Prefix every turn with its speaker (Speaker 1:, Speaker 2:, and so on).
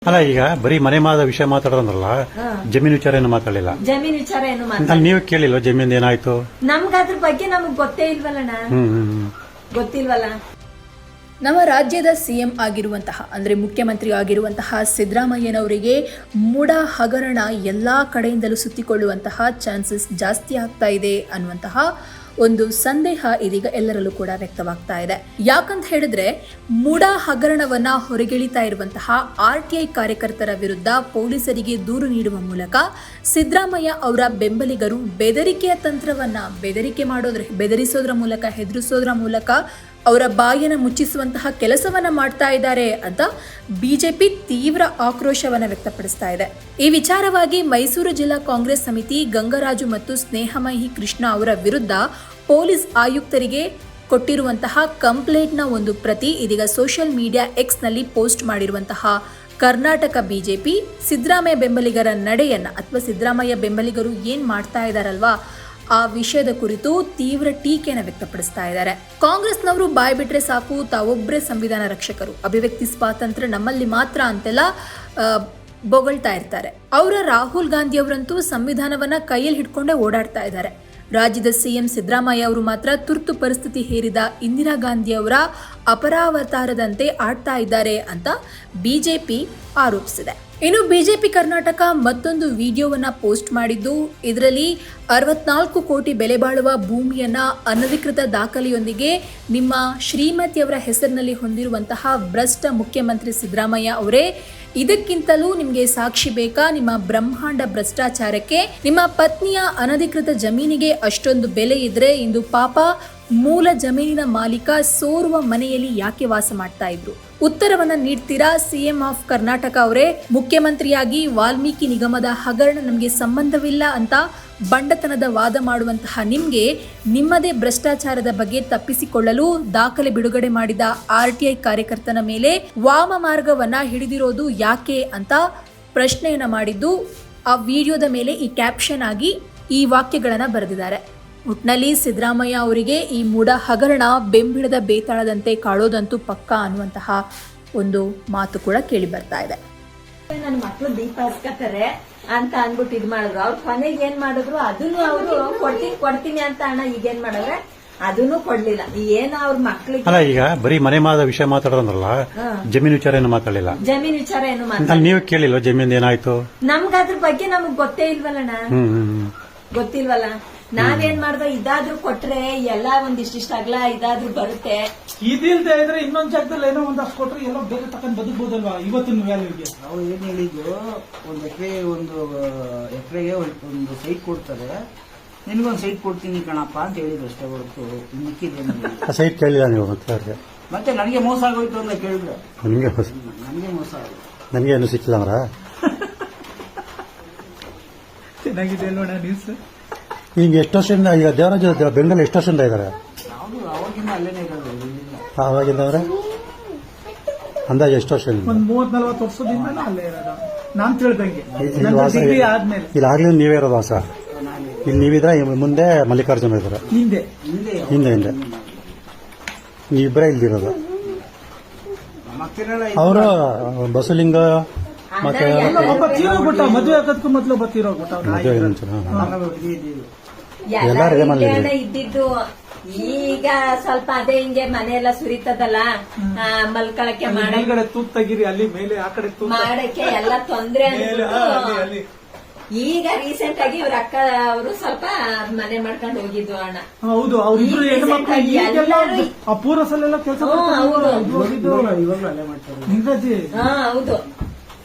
Speaker 1: ಅಲ್ಲ ಈಗ ಬರೀ ಮನೆ ವಿಷಯ ಮಾತಾಡೋದ್ರಲ್ಲ, ಜಮೀನು ವಿಚಾರ ಏನು ಮಾತಾಡಲಿಲ್ಲ.
Speaker 2: ಜಮೀನ್ ವಿಚಾರ ಏನು
Speaker 1: ನೀವು ಕೇಳಿಲ್ವ ಜಮೀನ್ ಏನಾಯ್ತು?
Speaker 2: ನಮ್ಗ ಅದ್ರ ಬಗ್ಗೆ ನಮಗ್ ಗೊತ್ತೇ ಇಲ್ವಲ್ಲಣ್ಣ. ಗೊತ್ತಿಲ್ವಲ್ಲ.
Speaker 3: ನಮ್ಮ ರಾಜ್ಯದ ಸಿಎಂ ಆಗಿರುವಂತಹ ಅಂದರೆ ಮುಖ್ಯಮಂತ್ರಿ ಆಗಿರುವಂತಹ ಸಿದ್ದರಾಮಯ್ಯನವರಿಗೆ ಮೂಡ ಹಗರಣ ಎಲ್ಲ ಕಡೆಯಿಂದಲೂ ಸುತ್ತಿಕೊಳ್ಳುವಂತಹ ಚಾನ್ಸಸ್ ಜಾಸ್ತಿ ಆಗ್ತಾ ಇದೆ ಅನ್ನುವಂತಹ ಒಂದು ಸಂದೇಹ ಇದೀಗ ಎಲ್ಲರಲ್ಲೂ ಕೂಡ ವ್ಯಕ್ತವಾಗ್ತಾ ಇದೆ. ಯಾಕಂತ ಹೇಳಿದ್ರೆ ಮೂಡ ಹಗರಣವನ್ನ ಹೊರಗೆಳಿತಾ ಇರುವಂತಹ RTI ಕಾರ್ಯಕರ್ತರ ವಿರುದ್ಧ ಪೊಲೀಸರಿಗೆ ದೂರು ನೀಡುವ ಮೂಲಕ ಸಿದ್ದರಾಮಯ್ಯ ಅವರ ಬೆಂಬಲಿಗರು ಬೆದರಿಕೆಯ ತಂತ್ರವನ್ನ ಬೆದರಿಸೋದ್ರ ಮೂಲಕ, ಹೆದರಿಸೋದ್ರ ಮೂಲಕ ಅವರ ಬಾಯನ್ನು ಮುಚ್ಚಿಸುವಂತಹ ಕೆಲಸವನ್ನ ಮಾಡ್ತಾ ಇದ್ದಾರೆ ಅಂತ ಬಿಜೆಪಿ ತೀವ್ರ ಆಕ್ರೋಶವನ್ನ ವ್ಯಕ್ತಪಡಿಸ್ತಾ ಇದೆ. ಈ ವಿಚಾರವಾಗಿ ಮೈಸೂರು ಜಿಲ್ಲಾ ಕಾಂಗ್ರೆಸ್ ಸಮಿತಿ ಗಂಗರಾಜು ಮತ್ತು ಸ್ನೇಹಮಯಿ ಕೃಷ್ಣ ಅವರ ವಿರುದ್ಧ ಪೊಲೀಸ್ ಆಯುಕ್ತರಿಗೆ ಕೊಟ್ಟಿರುವಂತಹ ಕಂಪ್ಲೇಂಟ್ನ ಒಂದು ಪ್ರತಿ ಇದೀಗ ಸೋಷಿಯಲ್ ಮೀಡಿಯಾ Xನಲ್ಲಿ ಪೋಸ್ಟ್ ಮಾಡಿರುವಂತಹ ಕರ್ನಾಟಕ ಬಿಜೆಪಿ ಸಿದ್ದರಾಮಯ್ಯ ಬೆಂಬಲಿಗರ ನಡೆಯನ್ನ ಅಥವಾ ಸಿದ್ದರಾಮಯ್ಯ ಬೆಂಬಲಿಗರು ಏನ್ ಮಾಡ್ತಾ ಇದಾರಲ್ವಾ ಆ ವಿಷಯದ ಕುರಿತು ತೀವ್ರ ಟೀಕೆಯನ್ನು ವ್ಯಕ್ತಪಡಿಸ್ತಾ ಇದ್ದಾರೆ. ಕಾಂಗ್ರೆಸ್ನವರು ಬಾಯ್ ಬಿಟ್ರೆ ಸಾಕು, ತಾವೊಬ್ಬರೇ ಸಂವಿಧಾನ ರಕ್ಷಕರು, ಅಭಿವ್ಯಕ್ತಿ ಸ್ವಾತಂತ್ರ್ಯ ನಮ್ಮಲ್ಲಿ ಮಾತ್ರ ಅಂತೆಲ್ಲ ಬೊಗಳ್ತಾ ಇರ್ತಾರೆ. ಅವರ ರಾಹುಲ್ ಗಾಂಧಿ ಅವರಂತೂ ಸಂವಿಧಾನವನ್ನ ಕೈಯಲ್ಲಿ ಹಿಡ್ಕೊಂಡೇ ಓಡಾಡ್ತಾ ಇದ್ದಾರೆ. ರಾಜ್ಯದ ಸಿಎಂ ಸಿದ್ದರಾಮಯ್ಯ ಅವರು ಮಾತ್ರ ತುರ್ತು ಪರಿಸ್ಥಿತಿ ಹೇರಿದ ಇಂದಿರಾ ಗಾಂಧಿ ಅವರ ಅಪರಾವತಾರದಂತೆ ಆಡ್ತಾ ಇದ್ದಾರೆ ಅಂತ ಬಿಜೆಪಿ ಆರೋಪಿಸಿದೆ. ಇನ್ನು ಬಿಜೆಪಿ ಕರ್ನಾಟಕ ಮತ್ತೊಂದು ವಿಡಿಯೋವನ್ನ ಪೋಸ್ಟ್ ಮಾಡಿದ್ದು, ಇದರಲ್ಲಿ 64 ಕೋಟಿ ಬೆಲೆ ಬಾಳುವ ಭೂಮಿಯನ್ನ ಅನಧಿಕೃತ ದಾಖಲೆಯೊಂದಿಗೆ ನಿಮ್ಮ ಶ್ರೀಮತಿಯವರ ಹೆಸರಿನಲ್ಲಿ ಹೊಂದಿರುವಂತಹ ಭ್ರಷ್ಟ ಮುಖ್ಯಮಂತ್ರಿ ಸಿದ್ದರಾಮಯ್ಯ ಅವರೇ, ಇದಕ್ಕಿಂತಲೂ ನಿಮಗೆ ಸಾಕ್ಷಿ ಬೇಕಾ? ನಿಮ್ಮ ಬ್ರಹ್ಮಾಂಡ ಭ್ರಷ್ಟಾಚಾರಕ್ಕೆ ನಿಮ್ಮ ಪತ್ನಿಯ ಅನಧಿಕೃತ ಜಮೀನಿಗೆ ಅಷ್ಟೊಂದು ಬೆಲೆ ಇದ್ರೆ ಇಂದು ಪಾಪ ಮೂಲ ಜಮೀನಿನ ಮಾಲೀಕ ಸೋರುವ ಮನೆಯಲ್ಲಿ ಯಾಕೆ ವಾಸ ಮಾಡ್ತಾ ಇದ್ರು? ಉತ್ತರವನ್ನ ನೀಡ್ತೀರಾ ಸಿಎಂ ಆಫ್ ಕರ್ನಾಟಕ ಅವರೇ? ಮುಖ್ಯಮಂತ್ರಿಯಾಗಿ ವಾಲ್ಮೀಕಿ ನಿಗಮದ ಹಗರಣ ನಮಗೆ ಸಂಬಂಧವಿಲ್ಲ ಅಂತ ಬಂಡತನದ ವಾದ ಮಾಡುವಂತಹ ನಿಮ್ಗೆ ನಿಮ್ಮದೇ ಭ್ರಷ್ಟಾಚಾರದ ಬಗ್ಗೆ ತಪ್ಪಿಸಿಕೊಳ್ಳಲು ದಾಖಲೆ ಬಿಡುಗಡೆ ಮಾಡಿದ RTI ಕಾರ್ಯಕರ್ತನ ಮೇಲೆ ವಾಮ ಮಾರ್ಗವನ್ನ ಹಿಡಿದಿರೋದು ಯಾಕೆ ಅಂತ ಪ್ರಶ್ನೆಯನ್ನ ಮಾಡಿದ್ದು, ಆ ವಿಡಿಯೋದ ಮೇಲೆ ಈ ಕ್ಯಾಪ್ಷನ್ ಆಗಿ ಈ ವಾಕ್ಯಗಳನ್ನ ಬರೆದಿದ್ದಾರೆ. ಒಟ್ನಲ್ಲಿ ಸಿದ್ದರಾಮಯ್ಯ ಅವರಿಗೆ ಈ ಮೂಡ ಹಗರಣ ಬೆಂಬಿಡದ ಬೇತಾಳದಂತೆ ಕಾಳೋದಂತೂ ಪಕ್ಕಾ ಅನ್ನುವಂತಹ ಒಂದು ಮಾತು ಕೂಡ ಕೇಳಿ ಬರ್ತಾ ಇದೆ.
Speaker 2: ನನ್ನ ಮಕ್ಳು ದೀಪ ಹಚ್ಕತಾರೆ ಅಂತ ಅನ್ಬಿಟ್ಟು ಇದ್ ಮಾಡಿದ್ರು. ಅವ್ರ ಕೊನೆಗೆ ಏನ್ ಮಾಡಿದ್ರು, ಅದನ್ನು ಅವರು ಕೊಡ್ತೀನಿ ಅಂತ ಅಣ್ಣ ಈಗೇನ್ ಮಾಡಿದ್ರೆ ಅದನ್ನು ಕೊಡ್ಲಿಲ್ಲ. ಏನೋ ಅವ್ರ ಮಕ್ಳಿಗೆ
Speaker 1: ಅಲ್ಲ ಈಗ ಬರೀ ಮನೆ ವಿಷಯ ಮಾತಾಡೋದ್ರಲ್ಲ, ಜಮೀನು ವಿಚಾರ ಏನು ಮಾತಾಡಲಿಲ್ಲ.
Speaker 2: ಜಮೀನ್ ವಿಚಾರ ಏನು
Speaker 1: ನೀವು ಕೇಳಿಲ್ವ ಜಮೀನ್ ಏನಾಯ್ತು?
Speaker 2: ನಮ್ಗ ಅದ್ರ ಬಗ್ಗೆ ನಮಗ್ ಗೊತ್ತೇ ಇಲ್ವಲ್ಲಣ್ಣ. ಗೊತ್ತಿಲ್ವಲ್ಲ. ನಾವೇನ್ ಮಾಡ್ದೋ ಇದಾದ್ರೂ ಕೊಟ್ರೆ ಎಲ್ಲ ಒಂದಿಷ್ಟಿಷ್ಟ ಅಗಲ ಇದಾದ್ರೂ ಬರುತ್ತೆ.
Speaker 4: ಇದಿಲ್ದೇ ಇದ್ರೆ ಇನ್ನೊಂದ್ ಜಾಗದಲ್ಲಿ ಏನೋ ಒಂದಷ್ಟು ಕೊಟ್ರೆ ಎಲ್ಲೋ ಬೇರೆ ತಕೊಂಡ್ ಬದುಕಬಹುದಲ್ವಾ ಇವತ್ತಿನ ವ್ಯಾಲ್ಯೂಗೆ?
Speaker 5: ನಾವು ಏನ್ ಹೇಳಿದ್ದು, ಒಂದು ಎಕರೆಗೆ ಒಂದು ಸೈಟ್ ಕೊಡ್ತಾರೆ, ನಿನ್ಗೊಂದು ಸೈಟ್ ಕೊಡ್ತೀನಿ ಕಣಪ್ಪ ಅಂತ ಹೇಳಿದ್ರು ಅಷ್ಟೇ ಹೊರತು ಮಿಕ್ಕಿದ್ದೇನೆ
Speaker 1: ಸೈಟ್ ಕೇಳಿಲ್ಲ ನೀವು
Speaker 5: ಮತ್ತೆ ನನಗೆ ಮೋಸ ಆಗೋಯ್ತು ಅಂತ ಕೇಳಿದ್ರೆ
Speaker 1: ನನಗೆ
Speaker 5: ಮೋಸ ಆಗೋಯ್ತು. ನನಗೆ
Speaker 1: ಏನು ಸಿಕ್ಕಿಲ್ಲ ಅವರ
Speaker 4: ಚೆನ್ನಾಗಿದೆ ನೋಡ ನ್ಯೂಸ್.
Speaker 1: ಈಗ ಎಷ್ಟು ವರ್ಷದಿಂದ ಈಗ ದೇವರಾಜ ಬೆಂಗಳೂರು ಎಷ್ಟು ವರ್ಷದಿಂದ ಇದ್ದಾರೆ?
Speaker 5: ಅವಾಗಿಂದ ಅಲ್ಲೇನೆ ಇರೋದು.
Speaker 1: ಅವಾಗಿಂದ ಅವರೇ ಅಂದಾಜು ಎಷ್ಟು ವರ್ಷ?
Speaker 4: ಒಂದ್ 30-40 ವರ್ಷದಿಂದ ಅಲ್ಲೇ ಇರೋದು ನಾನ್ ತಿಳ್ದಂಗೆ. ಆದ್ಮೇಲೆ
Speaker 1: ಇಲ್ಲಿ ನೀವೇ ಇರೋದು ವಾಸ? ಇಲ್ಲಿ ನೀವಿದ್ರೆ ಮುಂದೆ ಮಲ್ಲಿಕಾರ್ಜುನ ಇದ್ದಾರೆ, ಹಿಂದೆ ನೀವಿಬ್ಬರೇ ಇಲ್ದಿರೋದು. ಅವರು ಬಸಲಿಂಗ ಮತ್ತೆ
Speaker 4: ಒಬ್ಬ ತೀರೋಗ್ಬಿಟ್ಟ, ಮದುವೆ ಆಗೋದಕ್ಕೂ ಮೊದಲು ಒಬ್ಬ ತೀರೋಗ್ಬಿಟ್ಟ.
Speaker 2: ಇದ್ದಿದ್ದು ಈಗ ಸ್ವಲ್ಪ ಅದೇ ಹಿಂಗೆ ಮನೆಯೆಲ್ಲ ಸುರಿತದಲ್ಲ, ಮಲ್ಕೊಳಕ್ಕೆ
Speaker 4: ಮೇಲ್ಗಡೆ ತೂತ್ ತೆಗಿರಿ, ಅಲ್ಲಿ ಮೇಲೆ ಆ ಕಡೆ
Speaker 2: ಮಾಡಕ್ಕೆ ಎಲ್ಲ ತೊಂದ್ರೆ. ಈಗ ರೀಸೆಂಟ್ ಆಗಿ ಇವ್ರ ಅಕ್ಕ ಅವರು ಸ್ವಲ್ಪ ಮನೆ ಮಾಡ್ಕೊಂಡು ಹೋಗಿದ್ವು ಅಣ್ಣ.
Speaker 4: ಹೌದು, ಅವ್ರಿಬ್ರು ಹೆಣ್ಮಕ್ಳು ಆ ಪೂರ್ವ ಸಲ ಕೆಲಸ
Speaker 2: ಹೌದು.
Speaker 4: ನಿಂಗಾಜಿ.
Speaker 2: ಹೌದು.